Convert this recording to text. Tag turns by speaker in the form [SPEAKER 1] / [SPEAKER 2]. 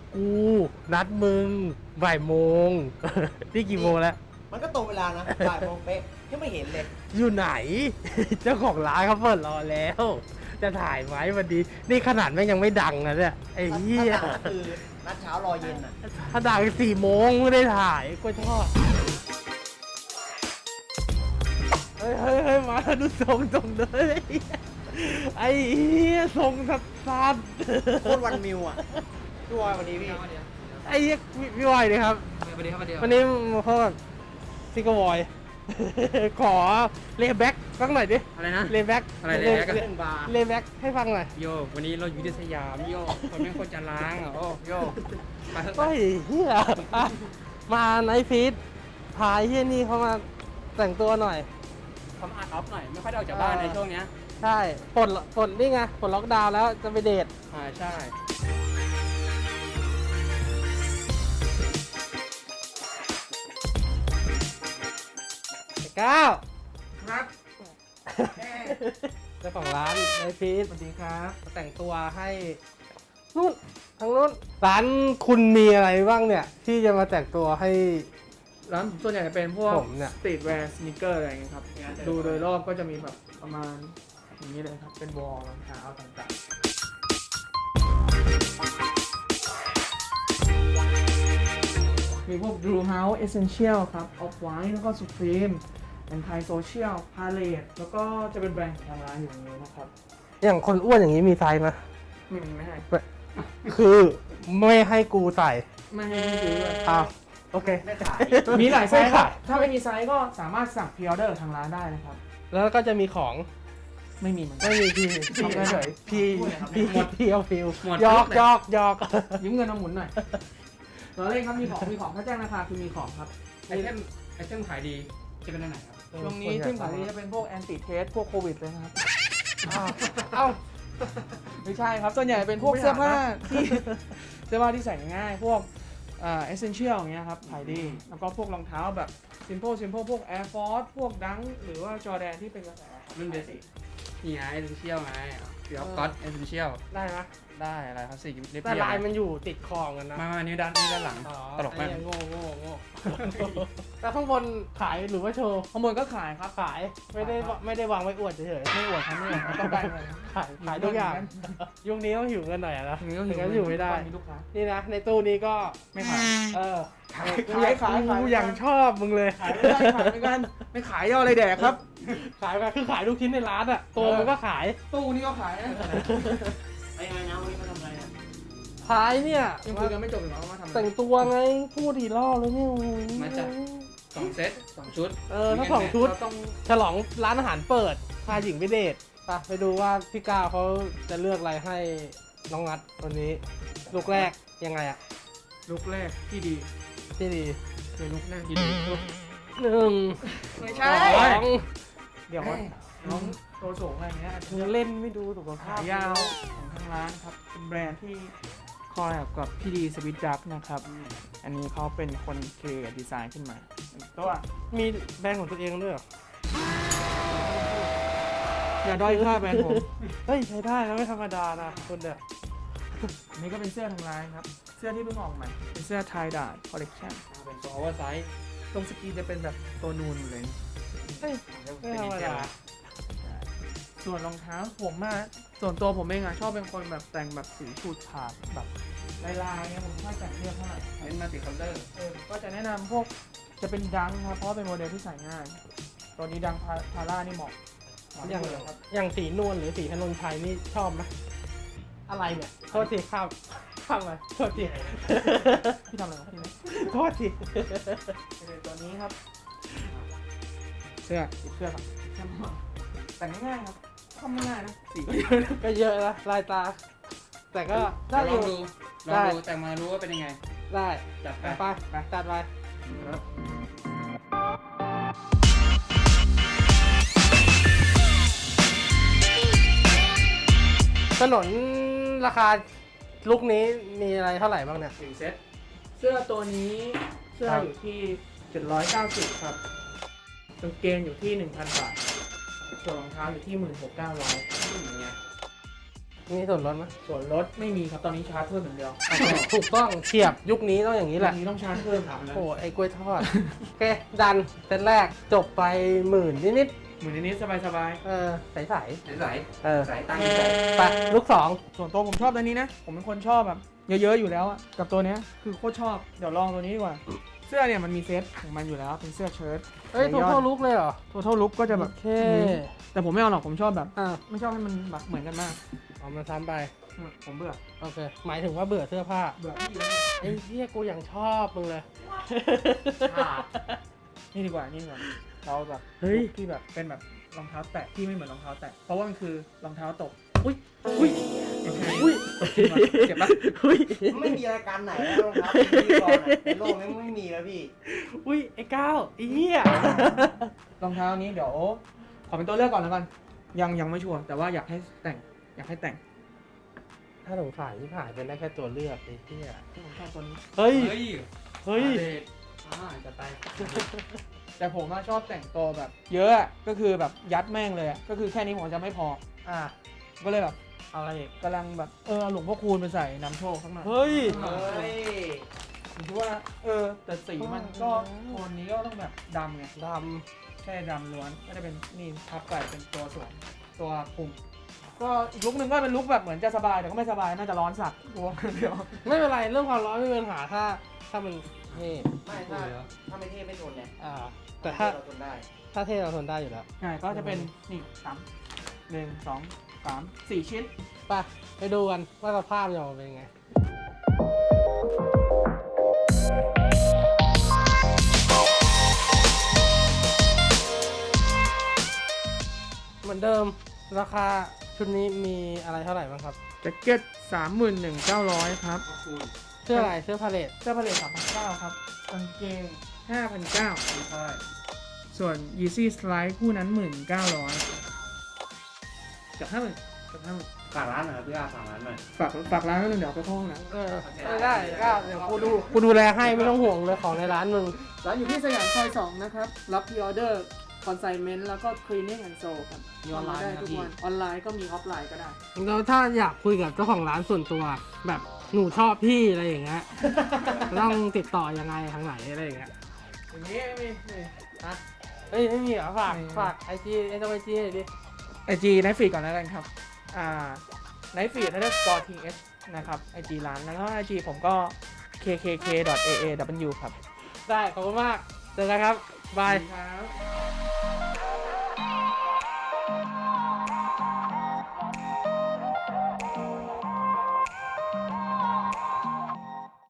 [SPEAKER 1] กูนัดมึงบ่ายโมง นี่กี่โมงแล้ว
[SPEAKER 2] มันก็ตรงเวลานะบ่ายโมงเป๊ะยังไม่เห็นเลย
[SPEAKER 1] อยู่ไหน เจ้าของร้านเขาเปิดรอแล้ว จะถ่ายไหมวันนี้นี่ขนาดแม่งยังไม่ดังนะเนี่ยไอ้เหี้ย
[SPEAKER 2] ถ้าต่างก็คือนัดเช้ารอเย็นอ่ะ
[SPEAKER 1] ถ้าดัง4 โมงไม่ได้ถ่ายก็ชอบเฮ้ยมาดูทรงเลยไอ้เหี้ยทรงสัด
[SPEAKER 2] โคตรวันมิวอ่ะพี่วอยวันนี้พี่
[SPEAKER 1] ไอ้เหี้ยพี่วอยเลยครับ
[SPEAKER 3] สวัสดีครับ
[SPEAKER 1] วันนี้มาพบกับซิกเกอร์วอย ขอเลย์แบ็กสักหน่อยดิ
[SPEAKER 3] อะไรนะ
[SPEAKER 1] เลย์แบ็ก
[SPEAKER 3] อะไร layback อะ
[SPEAKER 2] เรื่องบาร์
[SPEAKER 1] เลย์แบ็กให้ฟังหน่อย
[SPEAKER 3] โยวันนี้เราอยู่ที่สยามโยคนแม่งคนจะล้างอ่ะโอ้โยไปเถอะ
[SPEAKER 1] เฮ้ยเฮียอ่ะมาไนท์ฟีดพายเฮียนี่เขามาแต่งตัวหน่อย
[SPEAKER 3] ทำอาร์ตออฟหน่อยไม่ค่อยได้ออกจากบ้านในช่วงเนี้ย
[SPEAKER 1] ใช่ปลดนี่ไงปลดล็อกดาวน์แล้วจะไปเดท
[SPEAKER 3] ใช่
[SPEAKER 1] ไอ้ก้าว
[SPEAKER 3] ครับ
[SPEAKER 1] เจ้าของร้านไนท์ฟีด
[SPEAKER 3] สวัสดีครับ
[SPEAKER 1] แต่งตัวให้นู่นทางนู้นร้านคุณมีอะไรบ้างเนี่ย ที่จะมาแต่งตัวให้
[SPEAKER 4] ร้านส่วนใหญ่จะเป็นพวก
[SPEAKER 1] ผมเนี่ย
[SPEAKER 4] สตรีทแวร์สนิเกอร์อะไรอย่างเงี้ยครับ ดูโดยรอบก็จะมีแบบประมาณอย่างนี้เลยครับ เป็นวอลรองเท้าต่างๆ มีพวก Drew House Essential ครับ Off White แล้วก็ Supreme เป็นไทยโซเชียล Palette แล้วก็จะเป็นแบรนด์ของทางร้านอยู่ตรงนี้นะครับ
[SPEAKER 1] อย่างคนอ้วนอย่างนี้มีไซส์ไหม
[SPEAKER 4] ไม่ให้
[SPEAKER 1] คือไม่ให้กูใส่
[SPEAKER 4] ไม่ให้ซื้อเลย
[SPEAKER 1] อ้าวโอเค
[SPEAKER 2] ไม่ขาย
[SPEAKER 4] มีหลายไซส์
[SPEAKER 1] ไม่
[SPEAKER 4] ครั
[SPEAKER 1] ขา
[SPEAKER 4] บ
[SPEAKER 1] ย
[SPEAKER 4] ถ้าไม่มีไซส์ก็สามารถสั่งพรีออเดอร์ทางร้านได้นะครับ
[SPEAKER 1] แล้วก็จะมีของ
[SPEAKER 4] ไม่มีเหมือนกัน
[SPEAKER 1] ไม่มีพี่ทำเฉยพี่พี่เอาฟิว
[SPEAKER 3] หมด
[SPEAKER 1] หยอก
[SPEAKER 3] เลย
[SPEAKER 1] หยอกหยอก
[SPEAKER 4] ยืมเงินมาหมุนหน่อยเราเล่นครับมีของถ้าแจ้งราคาคือมีของครับ
[SPEAKER 3] ไอเทมขายดีจะเป็นอันไหนครับ
[SPEAKER 4] ตรงนี้ที่ขายดีจะเป็นพวกแอนติเทสพวกโควิดเลยนะครับ
[SPEAKER 1] เอ้า
[SPEAKER 4] ไม่ใช่ครับ ส่วนใหญ่เป็นพวกเสื้อผ้าที่เสื้อผ้าที่ใส่ง่ายพวกเอเซนเชียลอย่างเงี้ยครับขายดี แล้วก็พวกรองเท้าแบบsimple พวก Air Force พวกดังหรือว่าจอแดนที่เป็นกระแสครับ
[SPEAKER 3] รุ่นเบสิกนี่ไงเอเซนเชียลไงเดี๋ยวก๊อตเอเซนเชียล
[SPEAKER 1] ได้ไหม
[SPEAKER 3] ได้อะไรครับสี่เรียบ
[SPEAKER 1] แต่ลายมันอยู่ติดคอกันนะ
[SPEAKER 3] มานี่ด้านหลัง
[SPEAKER 1] อ๋อ
[SPEAKER 3] ตลกมาก
[SPEAKER 1] ไอ้โง่แต่ข้างบนขายหรือว่าโชว์
[SPEAKER 4] ข้างบนก็ขายครับ
[SPEAKER 1] ขายไม่ได้วางไว้อวดเฉย
[SPEAKER 4] ไม่อวดครับไม่อวดครับต้องได้เงิน
[SPEAKER 1] ๆขายทุกอย่างยุคนี้ต้องหิวเงินหน่อยอะนะ
[SPEAKER 4] ถึงก็
[SPEAKER 1] ถึงจะอยู่ไม่ได้
[SPEAKER 4] มีลูกค้า
[SPEAKER 1] นี่นะในตู้นี้ก็
[SPEAKER 4] ไม่ขาย
[SPEAKER 1] เออ
[SPEAKER 4] ขาย
[SPEAKER 1] กูอย่างชอบมึงเลย
[SPEAKER 4] ขายไม่ได้ขายเหมือนกันไม่ขายย่ออะไรแดกครับ
[SPEAKER 1] ขายคือขายทุกชิ้นในร้านอะตัวมันก็ขาย
[SPEAKER 4] ตู้นี้ก็ขายนะ
[SPEAKER 2] ไปไงนะวันนี้มาทำอะไรเนี่ย
[SPEAKER 1] ขายเนี่ย
[SPEAKER 4] ยังคุยกันไม่จบอีกเหรอว่าทำอะไร
[SPEAKER 1] แต่งตัวไงพูดทีรอบเลยเนี่ยโอ้โห
[SPEAKER 3] มาจาก2 เซต 2 ชุด
[SPEAKER 1] ถ้าสองชุด
[SPEAKER 4] เราต้อง
[SPEAKER 1] ฉลองร้านอาหารเปิดพาหญิงไปเดทไปดูว่าพี่ก้าวเขาจะเลือกอะไรให้น้องนัดวันนี้ลูกแรกยังไงอะ
[SPEAKER 4] ลุกแรกที่ดี
[SPEAKER 1] ที่ดี
[SPEAKER 4] คือลุกแรกที่ดี
[SPEAKER 1] 1
[SPEAKER 4] ไม่
[SPEAKER 1] 2
[SPEAKER 4] ใช่ เดี๋ยวน้องโตสูงอะไรเงี้ยอาจจะ
[SPEAKER 1] มึงเล่นไม่ดูสุขภา
[SPEAKER 4] ขา
[SPEAKER 1] พ
[SPEAKER 4] ยาวของทางร้านครับเป็นแบรนด์ที่คอลแลบกับพี่ดีสวิตดักนะครับ อันนี้เขาเป็นคนครีเอทดีไซน์ขึ้นมาเป็นตัว
[SPEAKER 1] มีแบรนด์ของตัวเองด้วยเหรอ
[SPEAKER 4] อย่าด้อยค่าแบรนด์ผม
[SPEAKER 1] เฮ้ยใช้ได้นะไม่ธรรมดานะคุณเนี่ย
[SPEAKER 4] อันนี้ก็เป็นเสื้อทางร้านครับ เสื้อที่เพิ่งออกใหม่เป็นเสื้อไทยดาร์คอลเลกชัน
[SPEAKER 3] เป็นตัวโอเวอร์ไซส์
[SPEAKER 4] ตรงสกรีนจะเป็นแบบตัวนูนหมดเลยนะ
[SPEAKER 1] เฮ้ยไม่ธรรมดา
[SPEAKER 4] ส่วนรองเท้าผมอะส่วนตัวผมเองอะชอบเป็นคนแบบแต่งแบบสีฉูดฉาดแบบลายๆเนี่ยผมไม่ค่อยแต่งเรียบเท่าไหร่
[SPEAKER 3] เน้นมัลติคัลเลอร์
[SPEAKER 4] ก็จะแนะนำพวกจะเป็นดังครับเพราะว่าเป็นโมเดลที่ใส่ง่าย ตัวนี้ดังพาร่านี่เหมาะ
[SPEAKER 1] อย่าง
[SPEAKER 4] เลยครับ
[SPEAKER 1] อย่างสีนวลหรือสีธนนชัยนี่ชอบไหมอะไรเนี่ยโทษทีข้ามไปโทษที
[SPEAKER 4] พี่ทำอะไรครับพี่เนี่ย
[SPEAKER 1] โทษที
[SPEAKER 4] ตัวนี้ครับ เสื้อครับแต่งง่ายๆครับทำง่ายๆนะสีก็เยอะนะ
[SPEAKER 1] ก็เยอะนะลายตา แต่ก็ได้
[SPEAKER 3] ล
[SPEAKER 1] อ
[SPEAKER 3] อง
[SPEAKER 1] ยู่
[SPEAKER 3] ดู
[SPEAKER 1] ได้
[SPEAKER 3] แต่มารู้ว่าเป็นยังไง
[SPEAKER 1] ได้
[SPEAKER 3] จัดไป
[SPEAKER 1] ไปตัดไปถนนราคาลุกนี้มีอะไรเท่าไหร่บ้างเนี่ย
[SPEAKER 3] 1 เซต
[SPEAKER 4] เสื้อตัวนี้เสื้อ
[SPEAKER 1] ครับ
[SPEAKER 4] อยู่ที่790ครับกางเกงอยู่ที่ 1,000 บาทส่วนรองเท้าอยู่ที่ 16,900
[SPEAKER 3] อย่างเงี้ย
[SPEAKER 1] มีส่วนลดไหม
[SPEAKER 4] ส่วนลดไม่มีครับตอนนี้ชาร์จเพิ่มอย่างเดียว
[SPEAKER 1] ถูกต้องเฉียบยุคนี้ต้องอย่างนี้แหละ
[SPEAKER 4] นี้ต้องชาร์จเพิ่มครับ
[SPEAKER 1] โอ้ไอ้กล้วยทอด โอเค ดันเซตแรกจบไป10,000นิด
[SPEAKER 4] เหมือนนี้สบาย
[SPEAKER 1] ๆใส
[SPEAKER 3] ใส
[SPEAKER 1] ๆเออ
[SPEAKER 3] ใสตั้งใจ
[SPEAKER 1] ไปลูกสอง
[SPEAKER 4] ๆส่วนตัวผมชอบตัวนี้นะผมเป็นคนชอบแบบเยอะๆอยู่แล้วอะกับตัวเนี้ยคือโคตรชอบเดี๋ยวลองตัวนี้ดีกว่าเสื้อเนี่ยมันมีเซตของมันอยู่แล้วเป็นเสื้อเชิ้ต
[SPEAKER 1] เฮ้ย total look เลยเหรอ
[SPEAKER 4] total look ก็จะแบบ
[SPEAKER 1] โอเค
[SPEAKER 4] แต่ผมไม่เอาหรอกผมชอบแบบ
[SPEAKER 1] อ่า
[SPEAKER 4] ไม่ชอบให้มันแบบเหมือนกันมาก
[SPEAKER 1] เอามาซ้ำไป
[SPEAKER 4] ผมเบื่อ
[SPEAKER 1] โอเค หมายถึงว่าเบื่อเสื้อผ้า
[SPEAKER 4] เบื่อ
[SPEAKER 1] ไอ้เหี้ยกูยังชอบมึงเลย
[SPEAKER 4] นี่ดีกว่านี่ดีกว่าเราแบบ
[SPEAKER 1] เฮ้ย
[SPEAKER 4] ที่แบบเป็นแบบรองเท้าแตะที่ไม่เหมือนรองเท้าแตะเพราะว่ามันคือรองเท้าตก
[SPEAKER 1] อุ้ยอุ้ย
[SPEAKER 4] ไม่ใช่
[SPEAKER 1] อุ้ย
[SPEAKER 4] เจ็บปะ
[SPEAKER 1] อุ้ย
[SPEAKER 2] ไม่มีรายการไหนแล้วรองเท้าเป็นพิธีกรอะในโลกนี้ไม่มีแล้วพี่
[SPEAKER 1] อุ้ยไอ้ก้าวไอ้เหี้ย
[SPEAKER 4] รองเท้านี้เดี๋ยวขอเป็นตัวเลือกก่อนแล้วกันยังไม่ชัวร์แต่ว่าอยากให้แต่ง
[SPEAKER 1] ถ้าสงสัยที่ผ่านเป็นได้แค่ตัวเลือกไอ้เหี้ย
[SPEAKER 4] ผมชอบตัวนี้
[SPEAKER 1] เฮ้ย
[SPEAKER 3] เฮ้ย
[SPEAKER 1] เฮ้ย
[SPEAKER 3] จะไป
[SPEAKER 4] แต่ผมอะชอบแต่งตัวแบบเยอะอะก็คือแบบยัดแม่งเลยอะก็คือแค่นี้ผมจะไม่พอ
[SPEAKER 1] อ่ะ
[SPEAKER 4] ก็เลยแบบ
[SPEAKER 1] เอาอะไรอีก
[SPEAKER 4] กำลังแบบเอาหลวงพ่อคูณไปใส่นำโชคข้างใน
[SPEAKER 1] เฮ้ย
[SPEAKER 2] เฮ้ย
[SPEAKER 4] ผมคิดว่าแต่สีมันก็โทนนี้ก็ต้องแบบดำไง
[SPEAKER 1] ด
[SPEAKER 4] แค่ดำล้วนก็จะเป็นนี่ทับใส่เป็นตัวสวมตัวคุมก็อีกลุกหนึ่งก็เป็นลุกแบบเหมือนจะสบายแต่ก็ไม่สบายน่าจะร้อนสัตว์กลัวเดี๋ยว
[SPEAKER 1] ำไม่เป็นไรเรื่องความร้อนไม่เป็นปัญหาถ้ามันนี่
[SPEAKER 2] ไม่ถ้าไม่เท่ไม่ทนเนี่ย
[SPEAKER 1] แต่ถ้า
[SPEAKER 2] เราทนได้
[SPEAKER 1] ถ้าเท่เราทนได้อยู่แล้ว
[SPEAKER 4] ใช่ก็จะเป็นนี่1 2 3 4 ชิ้น
[SPEAKER 1] ไปดูกันว่าสภาพจะออกมาเป็นยังไง เหมือนเดิมราคาชุดนี้มีอะไรเท่าไหร่บ้างครับ
[SPEAKER 4] แจ็คเก็ต 31,900 ครับ
[SPEAKER 1] เสื้ออะไรเสื้อพาเลท
[SPEAKER 4] เสื้อผลิต3,900 ครับกางเกง 5,900 ส่วน Yeezy Slide คู่นั้น 1,900เกือบ50,000
[SPEAKER 3] ฝากร้านหน่อยครับพี่อาฝากร้านหน่อย
[SPEAKER 4] ฝากร้านไว้หนึ่งเดี๋ยวไปเข้าห้องน้
[SPEAKER 1] ได้ก็เดี๋ยวกูดูแลให้ไม่ต้องห่วงเลยของในร้านมึง
[SPEAKER 4] ำร้านอยู่ที่สยามซอย 2 นะครับ รับพรีออเดอร์คอนไซเมนต์แล้วก็ cleaning and sew ครับ
[SPEAKER 3] มีออนไลน์
[SPEAKER 4] ได้
[SPEAKER 3] นะ
[SPEAKER 4] ทุก
[SPEAKER 3] พี่
[SPEAKER 4] วันออนไลน์ก็มีออฟไลน์ก็ได้
[SPEAKER 1] แล้วถ้าอยากคุยกับเจ้าของร้านส่วนตัว แบบหนูชอบพี่อะไรอย่างเงี้ย ต้องติดต่อยังไงทางไหนอะไรอย่างเงี้ย
[SPEAKER 4] อย่างนี้ไม่มีนี่
[SPEAKER 1] เฮ้ยไม่มีเหรอฝาก
[SPEAKER 4] ไม่มี
[SPEAKER 1] ฝากไอจีไอจีไอจีหน่อยดิ
[SPEAKER 4] IG ไนฟ์ฟีดก่อนแล้วกันครับไนฟ์ฟีด_th นะครับ IG ร้านแล้วก็ IG ผมก็ kkk.aaw ครับ
[SPEAKER 1] ได้ขอบคุณมากเจอกันครับบาย
[SPEAKER 4] ครับ